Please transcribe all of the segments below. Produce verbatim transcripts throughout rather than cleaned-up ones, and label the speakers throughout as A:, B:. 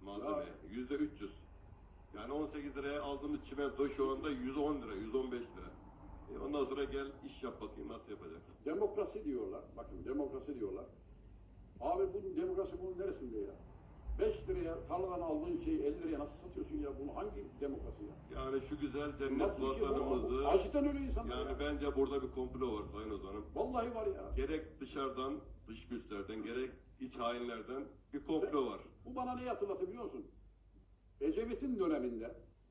A: malzemeye. Yüzde üç yüz. Yani on sekiz liraya aldığımız çimento şu anda yüz on lira, yüz on beş lira. E ondan sonra gel iş yap bakayım nasıl yapacaksın?
B: Demokrasi diyorlar. Bakın demokrasi diyorlar. Abi bu demokrasi bunun neresinde ya? beş liraya tarladan aldığın şeyi elli liraya nasıl satıyorsun ya? Bunu hangi demokrasi ya?
A: Yani şu güzel cennet
B: Nasıl bir şey bu?
A: vatanımızı...
B: Acıdan ölüyor insanlar
A: Yani
B: ya.
A: bence burada bir komplo var Sayın Ozan'ım.
B: Vallahi var ya.
A: Gerek dışarıdan, dış güçlerden, gerek iç hainlerden bir komplo var.
B: Bu bana neyi hatırlatıyor biliyor musun? Ecevit'in döneminde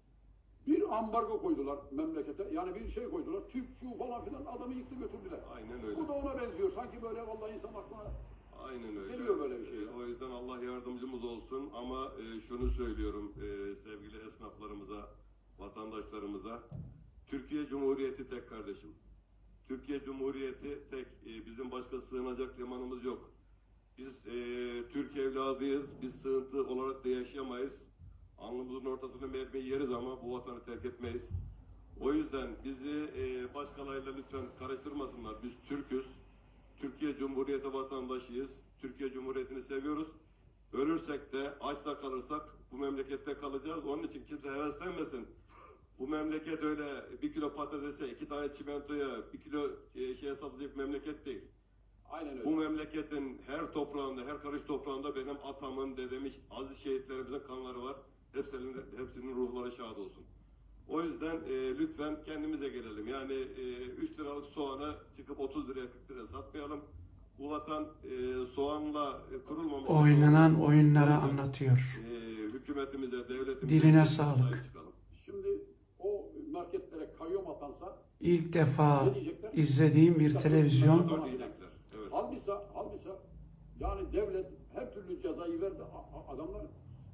B: bir ambargo koydular memlekete. Yani bir şey koydular. Türk şu falan filan adamı yıktı götürdüler.
A: Aynen öyle.
B: Bu da ona benziyor. Sanki böyle vallahi insan aklına
A: Aynen öyle.
B: geliyor böyle bir şey.
A: E, O yüzden Allah yardımcımız olsun ama e, şunu söylüyorum e, sevgili esnaflarımıza, vatandaşlarımıza. Türkiye Cumhuriyeti tek kardeşim. Türkiye Cumhuriyeti tek. E, bizim başka sığınacak limanımız yok. Biz e, Türk evladıyız. Biz sığıntı olarak da yaşayamayız. Alnımızın ortasında mermi yeriz ama bu vatanı terk etmeyiz. O yüzden bizi e, başkalarıyla lütfen karıştırmasınlar. Biz Türk'üz. Türkiye Cumhuriyeti vatandaşıyız. Türkiye Cumhuriyeti'ni seviyoruz. Ölürsek de açta kalırsak bu memlekette kalacağız. Onun için kimse heveslenmesin. Bu memleket öyle bir kilo patatese, iki tane çimentoya, bir kilo e, şeye satılacak memleket değil.
B: Aynen öyle.
A: Bu memleketin her toprağında, her karış toprağında benim atamın, dedemin, aziz şehitlerimizin kanları var. Hepsinin, hepsinin ruhları şad olsun. O yüzden e, lütfen kendimize gelelim. Yani e, üç liralık soğanı çıkıp otuz liraya kırk liraya satmayalım. Bu vatan e, soğanla e, kurulmamış.
C: Oynanan oyunları anlatıyor.
A: E, hükümetimize, devletimize
C: Diline sağlık.
A: çıkalım.
B: Şimdi o marketlere kayyum atansa
C: İlk defa
B: ne diyecekler?
C: izlediğim bir televizyon
A: Doğru diyecekler. Evet.
B: Halbisa, halbisa yani devlet her türlü cezayı verdi. A- a- Adamlar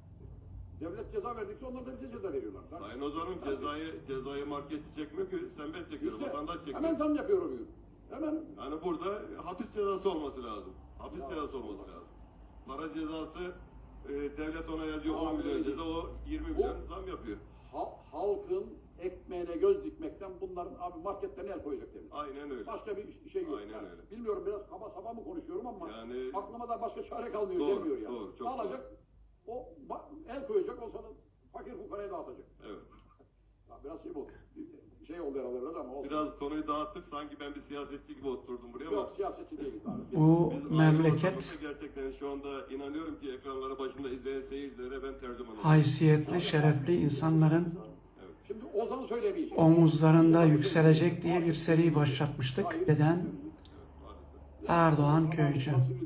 B: devlet ceza verdikçe onlar da bize ceza veriyorlar.
A: Sayın Ozan'ım cezayı, cezayı marketçi çekmiyor ki sen ben çekiyorum,
B: İşte
A: vatandaş çekiyor.
B: hemen zam yapıyor o gün. Hemen
A: Yani burada hapis cezası olması lazım. Hapis
B: Ya.
A: cezası olması lazım. Para cezası e, devlet ona yazıyor
B: Ama
A: on milyon
B: öyle
A: ceza, o yirmi milyon zam yapıyor.
B: ha- halkın ekmeğine göz dikmekten bunların abi marketlerine el koyacak devlet.
A: Aynen öyle.
B: Başka bir iş- şey yok.
A: Aynen
B: Yani
A: öyle.
B: Bilmiyorum biraz kaba saba mı konuşuyorum ama
A: Yani-
B: aklıma da başka çare kalmıyor
A: Doğru,
B: demiyor yani.
A: doğru, çok
B: Alacak, o ba- el koyacak, o sana fakir fukaraya dağıtacak.
A: Evet.
B: Ya biraz şey bu. Şey oldu herhalde biraz ama olsun.
A: Biraz konuyu dağıttık, sanki ben bir siyasetçi gibi oturdum buraya ama
B: Yok siyasetçi değiliz abi. Biz-
C: bu
A: biz
C: memleket
A: ayrı gerçekten şu anda inanıyorum ki ekranları başında izleyen seyircilere ben tercüman oldum.
C: haysiyetli, şerefli insanların
B: Şimdi Ozan söylemeyecek.
C: omuzlarında yükselecek diye bir seri başlatmıştık. Neden?
A: Evet, maalesef.
C: Erdoğan Köycü.